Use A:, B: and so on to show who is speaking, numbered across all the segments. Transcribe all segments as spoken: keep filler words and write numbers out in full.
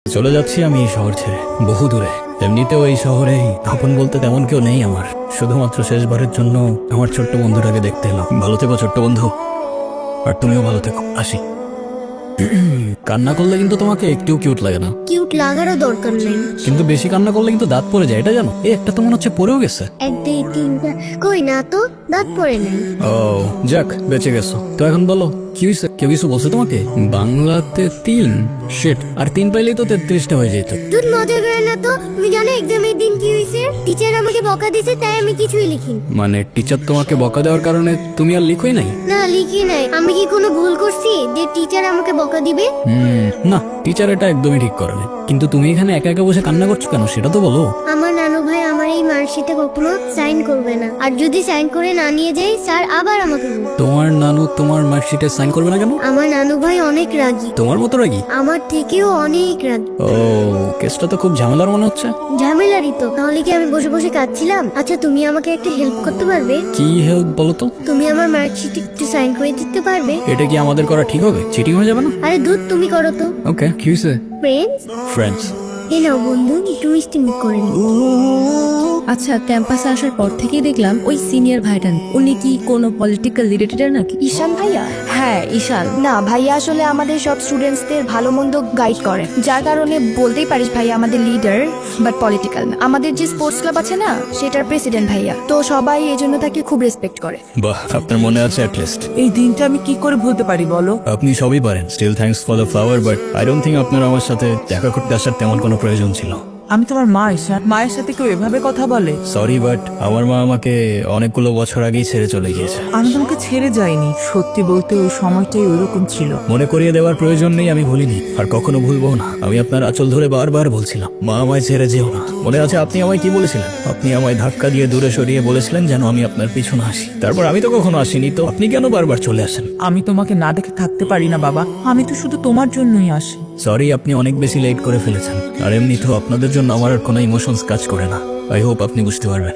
A: চলে যাচ্ছি আমি এই শহর ছেড়ে বহু দূরে। এমনিতেও এই শহরে আপন বলতে তেমন কেউ নেই আমার। শুধুমাত্র শেষবারের জন্য আমার ছোট্ট বন্ধুটাকে দেখতে এলাম। ভালো থেকো ছোট্ট বন্ধু, আর তুমিও ভালো থেকো। আসি। কান্না করলে কিন্তু তোমাকে একটু কিউট লাগে না।
B: কিউট লাগারও দরকার নেই,
A: কিন্তু বেশি কান্না করলে কিন্তু দাঁত পড়ে যায়, এটা জানো? এই একটা তো মনে হচ্ছে পড়েও গেছে।
B: এক দুই তিনটা কই না তো, দাঁত পড়ে নেই।
A: ও যাক, বেঁচে গেছো তো। এখন বলো কি হয়েছে? কেউ কিছু বলছে তোমাকে? বাংলাতে তিন শেট, আর তিন পাইলেই তো তেত্রিশটা হয়ে যেত।
B: তুই মজা করে না তো। তুমি জানো এক্সামের দিন কি হয়েছে? টিচার আমাকে বকা দিয়েছে, তাই আমি কিছুই লিখিনি।
A: মানে টিচার তোমাকে বকা দেওয়ার কারণে তুমি আর লিখোই নাই?
B: না লিখি নাই। আমি কি কোনো ভুল করছি যে টিচার আমাকে বকা দিবে?
A: হুম, না, টিচার এটা একদমই ঠিক করেনি। কিন্তু তুমি এখানে একা একা বসে কান্না করছো কেন সেটা তো বলো।
B: আমার নানু ভাই আমার এই মার্কশিটে কখনো সাইন করবে না, আর যদি সাইন করে না নিয়ে যাই স্যার আবার আমাকে বলবে।
A: তোমার নানু তোমার মার্কশিটে সাইন করবে না কেন?
B: আমার নানু ভাই অনেক রাগী,
A: তোমার মতো রাগি?
B: আমার থেকেও অনেক রাগী।
A: ও, কেসটা তো খুব ঝামেলার মনে হচ্ছে।
B: ঝামেলারই তো, তাহলে কি আমি বসে বসে কাঁদছিলাম? আচ্ছা তুমি আমাকে একটা হেল্প করতে পারবে?
A: কি হেল্প বলো তো?
B: তুমি আমার মার্কশিটে একটু সাইন করে দিতে পারবে?
A: এটা কি আমাদের করা ঠিক হবে? চিটিং হয়ে যাবে না?
B: আরে দুধ তুমি করো তো।
A: ওকে, কি হয়েছে?
B: Friends,
A: friends?
B: এ নাও বন্ধু, একটু মিষ্টি মুখ করে নিই।
C: আচ্ছা, ক্যাম্পাসে আসার পর থেকেই দেখলাম ওই সিনিয়র ভাইটা, উনি কি কোনো পলিটিক্যাল রিলেটেড নাকি?
D: ঈশান ভাইয়া?
C: হ্যাঁ, ঈশান।
D: না ভাইয়া, আসলে আমাদের সব স্টুডেন্টসদের ভালো মন্দ গাইড করে, যার কারণে বলতেই পারিস ভাইয়া আমাদের লিডার, বাট পলিটিক্যাল না। আমাদের যে স্পোর্টস ক্লাব আছে না, সেটার প্রেসিডেন্ট ভাইয়া, তো সবাই এই জন্য তাকে খুব রেসপেক্ট করে।
A: বাহ, আপনার মনে আছে অ্যাট লিস্ট।
E: এই দিনটা আমি কি করে ভুলতে পারি বলো?
A: আপনি সবই পারেন। Still thanks for the flower, but I don't think আপনার আমার সাথে দেখা করতে আসার তেমন কোনো প্রয়োজন ছিল।
E: আমি তোমার মা ঈশান, মায়ের সাথে কেউ এভাবে কথা বলে?
A: সরি, বাট আমার মা আমাকে অনেকগুলো বছর আগেই ছেড়ে চলে গিয়েছে।
E: আমি তোমাকে ছেড়ে যাইনি, সত্যি বলতে ওই সময়টাই ওইরকম ছিল।
A: মনে করিয়ে দেওয়ার প্রয়োজন নেই, আমি ভুলিনি আর কখনো ভুলবো না। আমি আপনার আঁচল ধরে বারবার বলছিলাম, মা আমায় ছেড়ে যেও না। মনে আছে আপনি আমায় কি বলেছিলেন? আপনি আমায় ধাক্কা দিয়ে দূরে সরিয়ে বলেছিলেন যেন আমি আপনার পিছনে আসি। তারপর আমি তো কখনো আসিনি, তো আপনি কেন বারবার চলে আসেন?
E: আমি তোমাকে না দেখে থাকতে পারি না বাবা, আমি তো শুধু তোমার জন্যই আসি।
A: সরি, আপনি অনেক বেশি লেট করে ফেলেছেন। আর এমনি তো আপনাদের জন্য আমার আর কোনো ইমোশনস কাজ করে না। আই হোপ আপনি বুঝতে পারবেন।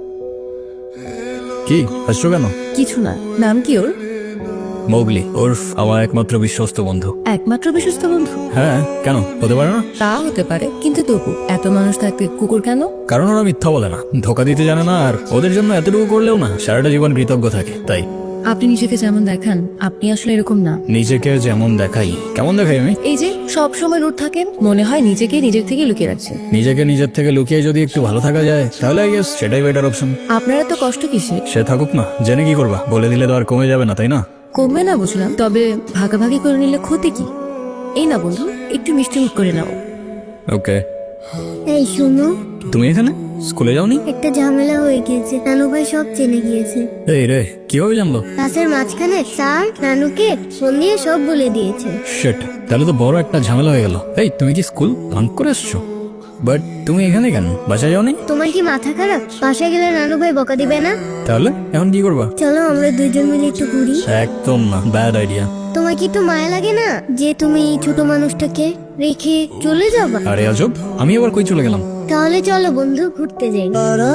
A: কি হাসছো কেন?
C: কিছু না। নাম কি ওর?
A: মোগলি, ওরফ আমার একমাত্র বিশ্বস্ত বন্ধু।
C: একমাত্র বিশ্বস্ত বন্ধু?
A: হ্যাঁ, কেন হতে পারে না?
C: তা হতে পারে, কিন্তু তবু এত মানুষ থাকতে কুকুর কেন?
A: কারণ ওরা মিথ্যা বলে না, ধোকা দিতে জানে না, আর ওদের জন্য এতটুকু করলেও না সারাটা জীবন কৃতজ্ঞ থাকে। তাই
C: আপনি নিজেকে যেমন দেখান, আপনি আসলে এরকম না।
A: নিজেকে যেমন দেখাই? কেমন দেখাই আমি?
C: এই যে সব সময় রুট থাকেন, মনে হয় নিজেকে নিজের থেকে লুকিয়ে রাখছেন।
A: নিজেকে নিজের থেকে লুকিয়ে যদি একটু ভালো থাকা যায় তাহলে আই গেস সেটাই বেটার অপশন।
C: আপনারা তো কষ্ট কিসে?
A: সে থাকুক না, জেনে কি করবা? বলে দিলে তো আর কমে যাবে না, তাই না?
C: কমবে না বুঝলাম, তবে ভাগাভাগি করে নিলে ক্ষতি কি? এই না বন্ধু, একটু মিষ্টি মুখ করে নাও।
A: ওকে।
B: এই শোনো,
A: তুমি এখানে স্কুলে যাওনি?
B: একটা ঝামেলা হয়ে গিয়েছে, নানু ভাই সব জেনে গিয়েছে।
A: এই রে, কিভাবে জানলো?
B: ক্লাসের মাঝখানে স্যার নানুকে ফোন দিয়ে সব বলে দিয়েছে।
A: শিট, তাহলে তো বড় একটা ঝামেলা হয়ে গেল। এই, তুমি কি স্কুল ভাঙ করে আসছো? বাট তুমি এখানে কেন? বাসায় যাওনি?
B: তোমার কি মাথা খারাপ? বাসায় গেলে নানু ভাই বকা দিবে না?
A: তাহলে এখন কি করবা?
B: চলো আমরা দুইজন মিলে একটু ঘুরি।
A: একদম না, ব্যাড আইডিয়া।
B: তোমার কি একটু মায়া লাগে না যে তুমি এই ছোট মানুষটাকে রেখে চলে যাবা?
A: আরে আজব, আমি আবার কই চলে গেলাম?
B: তাহলে চলো বন্ধু ঘুরতে যাই।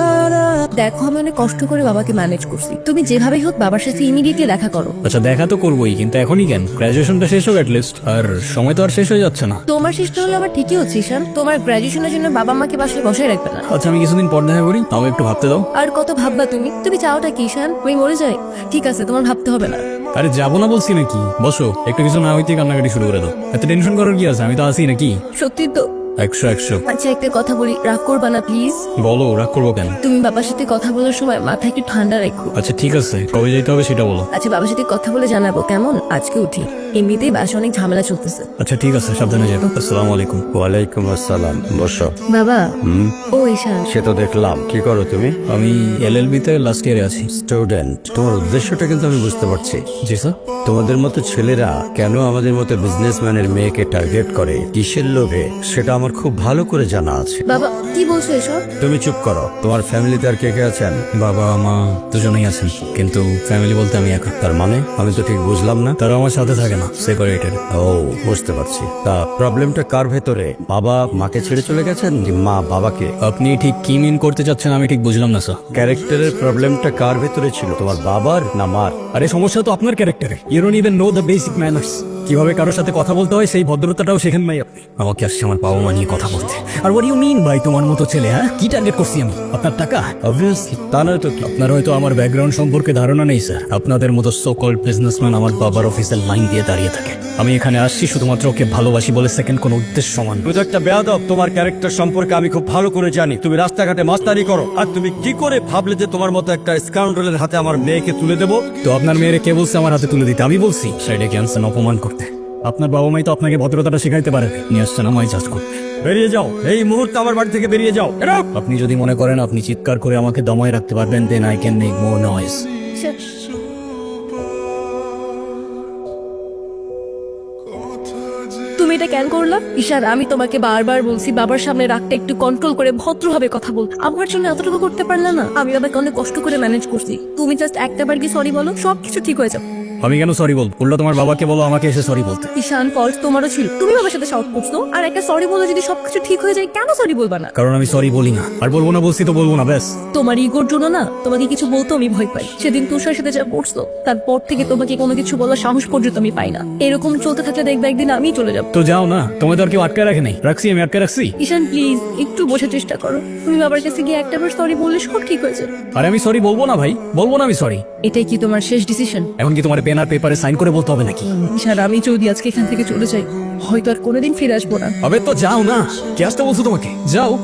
C: দেখো, আমি অনেক কষ্ট করে বাবাকে ম্যানেজ করছি, তুমি যেভাবেই হোক বাবার সাথে ইমিডিয়েটলি দেখা করো।
A: আচ্ছা, দেখা তো করবোই, কিন্তু এখনই কেন? গ্রাজুয়েশনটা শেষ হোক লিস্ট, আর সময় তো আর শেষ হয়ে যাচ্ছে না।
C: তোমার শেষটা হলো আবার ঠিকই হচ্ছে ঈশান, তোমার গ্রাজুয়েশনের জন্য বাবা মাকে বাসায় বসায় রাখবে না।
A: আচ্ছা, আমি কিছুদিন পর দেখা করি, তাও একটু ভাবতে দাও।
C: আর কত ভাববা তুমি? তুমি চাওটা কি ঈশান? আমি মরে যাই? ঠিক আছে, তোমার ভাবতে হবে না।
A: আরে যাবো না বলছি নাকি? বসো, একটু কিছু না হইতে কান্নাকাটি শুরু করে দাও। এত টেনশন করার কি আছে? আমি তো আছি নাকি?
C: সত্যি তো?
A: একশো একশো।
C: আচ্ছা, একটা কথা বলি, রাগ করবা না প্লিজ?
A: বলো, রাগ করবো কেন?
C: তুমি বাবার সাথে কথা বলার সময় মাথা একটু ঠান্ডা রাখো।
A: আচ্ছা ঠিক আছে, কবে যেতে হবে সেটা বলো।
C: আচ্ছা, বাবার সাথে কথা বলে জানাবো কেমন? আজকে উঠি, এমনিতেই বাসা অনেক ঝামেলা চলতেছে।
A: আচ্ছা ঠিক আছে, সাবধানে যাবো। আসসালামু আলাইকুম।
F: ওয়ালাইকুম আসসালাম, বসো।
C: বাবা।
F: হুম,
C: ও ঈশান।
F: সে তো দেখলাম। কি করো তুমি?
A: আমি এল এল বি তে লাস্ট ইয়ারে আছি।
F: স্টুডেন্ট। তোমার উদ্দেশ্যটা কিন্তু আমি বুঝতে পারছি।
A: জি স্যার।
F: তোমাদের মতো ছেলেরা কেন আমাদের মতো বিজনেসম্যানের মেয়েকে টার্গেট করে, কিসের লোভে, সেটা আমার খুব ভালো করে জানা আছে।
C: বাবা কি বলছো এসব?
F: তুমি চুপ করো। তোমার ফ্যামিলিতে আর কে কে আছেন?
A: বাবা মা দুজনেই আছেন, কিন্তু ফ্যামিলি বলতে আমি একা।
F: তার মানে আমি তো ঠিক বুঝলাম না।
A: তারা আমার সাথে থাকে না, সেপারেটেড।
F: ও, বুঝতে পারছি। তা প্রবলেমটা কার ভেতরে? বাবা মাকে ছেড়ে চলে গেছেন, কি মা বাবাকে?
A: আপনি ঠিক কি মিন করতে চাচ্ছেন আমি ঠিক বুঝলাম না স্যার।
F: ক্যারেক্টারের প্রবলেমটা কার ভেতরে ছিল, তোমার বাবার না মার?
A: আরে সমস্যা তো আপনার ক্যারেক্টারে। You don't even know the basic manners. কিভাবে কারোর সাথে কথা বলতে হয় সেই ভদ্রতাটাও শেখেন ভাই আপনি। আমাকে আসছে আমার বাবা মা নিয়ে কথা বলতে। আর what do you mean ভাই তোমার মতো ছেলে? হ্যাঁ, কি টার্গেট করছি আমি? আপনার টাকা?
F: অবভিয়াসলি তা নয় তো কি?
A: আপনার হয়তো আমার ব্যাকগ্রাউন্ড সম্পর্কে ধারণা নেই স্যার। আপনাদের মতো সো কল্ড বিজনেসম্যান আমার বাবার অফিসের লাইন দিয়ে দাঁড়িয়ে থাকে। আমি এখানে আসছি শুধুমাত্র ওকে ভালোবাসি বলে, সেকেন্ড কোনো উদ্দেশ্য সমান।
F: তুমি তো একটা বেয়াদব। তোমার ক্যারেক্টার সম্পর্কে আমি খুব ভালো করে জানি। তুমি রাস্তাঘাটে মাস্তানি করো, আর তুমি কি করে ভাবলে যে তোমার মতো একটা স্কাউন্ডারের হাতে আমার মেয়েকে তুলে দেবো?
A: তো আপনার মেয়েরে কে বলছে আমার হাতে তুলে দিতে? আমি বলছি সাইডে ক্যান্সার অপমান করতে। আপনার বাবা মাই তো আপনাকে ভদ্রতাটা শেখাইতে পারে। নিয়ে আসছেন আমায় জাজ করতে।
F: বেরিয়ে যাও এই মুহূর্তে, আমার বাড়ি থেকে বেরিয়ে যাও। Get out!
A: আপনি যদি মনে করেন আপনি চিৎকার করে আমাকে দমায় রাখতে পারবেন, then I can make more noise.
C: তুমি এটা কেন করলা? ঈশান, আমি তোমাকে বারবার বলছি বাবার সামনে রাগটা একটু কন্ট্রোল করে ভদ্রভাবে কথা বল। আমার জন্য এতটুকু করতে পারলে না? আমি বাবাকে অনেক কষ্ট করে ম্যানেজ করছি। তুমি জাস্ট একটা বার কি সরি বলো, সবকিছু ঠিক হয়ে যাবে।
A: আমি কেন সরি বলবো? উল্টা তোমার বাবাকে বলো আমাকে এসে সরি বলতে।
C: ঈশান, ফল্ট তোমারও ছিল। তুমি বাবার সাথে শর্ট করছো, আর একটা সরি বলে যদি সবকিছু ঠিক হয়ে যায়, কেন সরি বলবা না?
A: কারণ আমি সরি বলি না। আর বলবো না বলছি তো বলবো না, ব্যাস।
C: তোমার ইগোর জন্য না তোমাকে কিছু বলতে আমি ভয় পাই। সেদিন তুষার সাথে যা করছো, তারপর থেকে তোমাকে কোনো কিছু বলার সাহস পর্যন্ত আমি পাই না। এরকম চলতে থাকলে দেখবে একদিন আমি চলে যাবো।
A: তো যাও না, তোমায় তো আর কেউ আটকে রাখে নাই। রাখছি আমি, আটকে রাখছি?
C: ঈশান প্লিজ একটু বোঝার চেষ্টা করো। তুমি বাবার কাছে গিয়ে একটা বার সরি বললে সব ঠিক হয়ে যাবে।
A: আরে আমি সরি বলবো না ভাই, বলবো না আমি সরি।
C: এটাই কি তোমার শেষ ডিসিশন?
A: এখন কি তোমার পেন আর পেপারে সাইন করে বলতে হবে নাকি?
C: ঈশান, আমি যদি আজকে এখান থেকে চলে যাই, হয়তো আর কোনোদিন ফিরে আসবো না।
A: আবে তো যাও না, কে আসতে বলছো তোমাকে? যাও।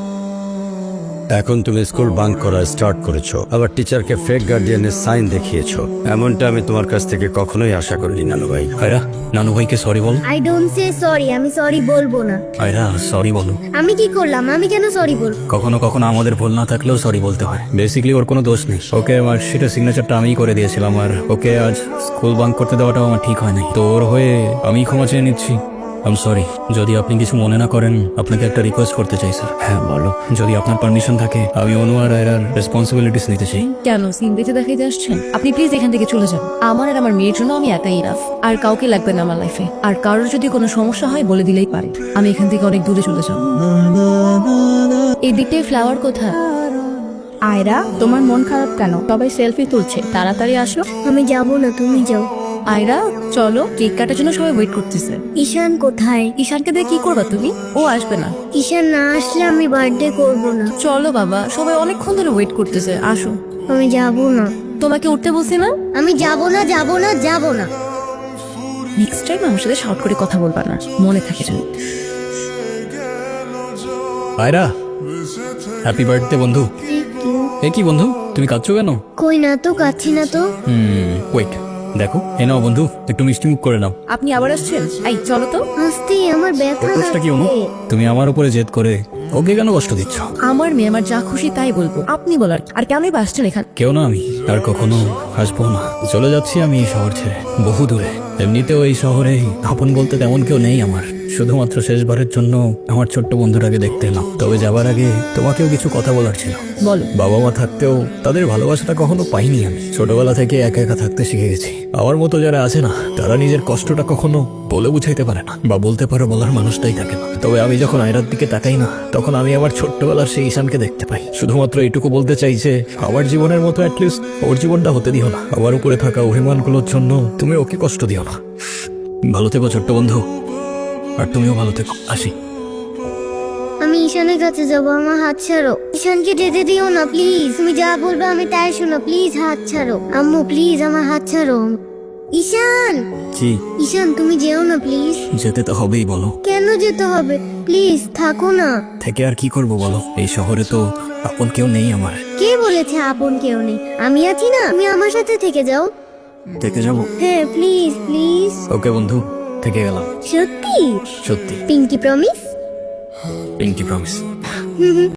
F: এখন তুমি স্কুল বাঙ্ক করা স্টার্ট করেছো, আবার টিচারকে ফেক গার্ডিয়ানের সাইন দেখিয়েছো। এমনটা আমি তোমার কাছ থেকে কখনোই আশা করিনি নানু ভাই।
A: আয়রা, নানু ভাইকে সরি বল।
B: আই ডোন্ট সে সরি, আমি সরি বলবো না।
A: আয়রা সরি বলো।
B: আমি কি করলাম? আমি কেন সরি বলবো?
A: কখনো কখনো আমাদের ভুল না থাকলেও সরি বলতে হয়। বেসিক্যালি ওর কোনো দোষ নেই। ওকে আমার সেটা সিগনেচারটা আমিই করে দিয়েছিলাম, আর ওকে আজ স্কুল বাঙ্ক করতে দেওয়াটাও আমার ঠিক হয় নাই। তো ওর হয়ে আমি ক্ষমা চেয়ে নিচ্ছি। I'm sorry. যদি আপনি কিছু মনে না করেন, আপনাকে একটা রিকোয়েস্ট করতে চাই স্যার। হ্যাঁ বলো। যদি আপনার পারমিশন থাকে, আমি অনু আর আয়রার রেসপন্সিবিলিটিস নিতে চাই।
C: কেন সিন দেখে দেখাইতে আসছেন? আপনি প্লিজ এখান থেকে চলে যান। আমার আর আমার মেয়ের জন্য আমি একাই ইনাফ, আর কাউকে লাগবে না আমার লাইফে। আর কারোর যদি কোনো সমস্যা হয় বলে দিলেই পারে। আমি এখান থেকে অনেক দূরে চলে যাব। এই দিকটায় ফ্লাওয়ার কোথায়?
D: আয়রা, তোমার মন খারাপ কেন? সবাই সেলফি তুলছে, তাড়াতাড়ি আসো।
B: আমি যাবো না, তুমি যাও।
C: আয়রা চলো, কেক কাটার জন্য সবাই ওয়েট করতেছে।
B: ঈশান কোথায়?
C: ঈশানকে দিয়ে কি করবা তুমি? ও আসবে না।
B: ঈশান না আসলে আমি বার্থডে করবো না।
C: চলো বাবা, সবাই অনেকক্ষণ ধরে ওয়েট করতেছে, আসো।
B: আমি যাবো না।
C: তোমাকে উঠতে বলছি না?
B: আমি যাবো না, যাবো না, যাবো না।
C: নেক্সট টাইম আমার সাথে শর্ট করে কথা বলবা না, মনে থাকে যেন।
A: আয়রা, হ্যাপি বার্থডে বন্ধু। এ কি বন্ধু, তুমি কাঁদছো কেন?
B: কই না তো, কাচ্ছি না তো।
A: হুম ওয়েট, দেখো এ নাও বন্ধু, একটু মিষ্টি মুখ করে নাও।
C: আপনি আবার আসছেন? এই চলো তো।
B: হাসতেই আমার ব্যথা
A: ওর দোষটা কি অনু?
B: লাগছে।
A: তুমি আমার উপরে জেদ করে ওকে কেন কষ্ট দিচ্ছ?
C: আমার মেয়ে আমার যা খুশি তাই বলবো, আপনি বলার। আর কেনই বা আসছেন এখানে?
A: কেউ না, আমি আর কখনো আসবো না। চলে যাচ্ছি আমি এই শহর ছেড়ে, বহু দূরে। এমনিতেও এই শহরে আপন বলতে তেমন কেউ নেই আমার। শুধুমাত্র শেষবারের জন্য আমার ছোট্ট বন্ধুটাকে দেখতে এলাম। তবে যাবার আগে তোমাকেও কিছু কথা বলার ছিল।
C: বলো।
A: বাবা মা থাকতেও তাদের ভালোবাসাটা কখনো পাইনি আমি। ছোটবেলা থেকে একা একা থাকতে শিখে গেছি। আমার মতো যারা আছে না, তারা নিজের কষ্টটা কখনো বলে বুঝাইতে পারে না, বা বলতে পারো বলার মানুষটাই থাকে না। তবে আমি যখন আয়রার দিকে তাকাই না, তখন আমি আমার ছোট্টবেলার সেই ঈশানকে দেখতে পাই। শুধুমাত্র এইটুকু বলতে চাই যে আমার জীবনের মতো অ্যাটলিস্ট ওর জীবনটা হতে দিও না। আমার উপরে থাকা অভিমানগুলোর জন্য তুমি ওকে কষ্ট দিও না। ভালো থেকো ছোট্ট বন্ধু, আর তুমিও ভালো থেকো। আসি।
B: আমি ঈশানের কাছে যাবো, আমার হাত ছাড়ো। ঈশানকে যেতে দিও না প্লিজ। তুমি যা বলবে আমি তাই শোনো, প্লিজ হাত ছাড়ো। আম্মু প্লিজ আমার হাত ছাড়ো। ঈশান,
A: কি?
B: ঈশান তুমি যেও না প্লিজ।
A: যেতে তো হবেই, বলো।
B: কেন যেতে হবে? প্লিজ থাকো না।
A: থেকে আর কি করব বলো? এই শহরে তো আপন কেউ নেই আমার।
B: কে বলেছে আপন কেউ নেই? আমি আছি না, তুমি আমার সাথে থেকে যাও।
A: থেকে যাবো?
B: হ্যাঁ প্লিজ প্লিজ।
A: ওকে বন্ধু, থেকে গেলাম।
B: সত্যি?
A: সত্যি।
B: Pinky promise?
A: Pinky promise.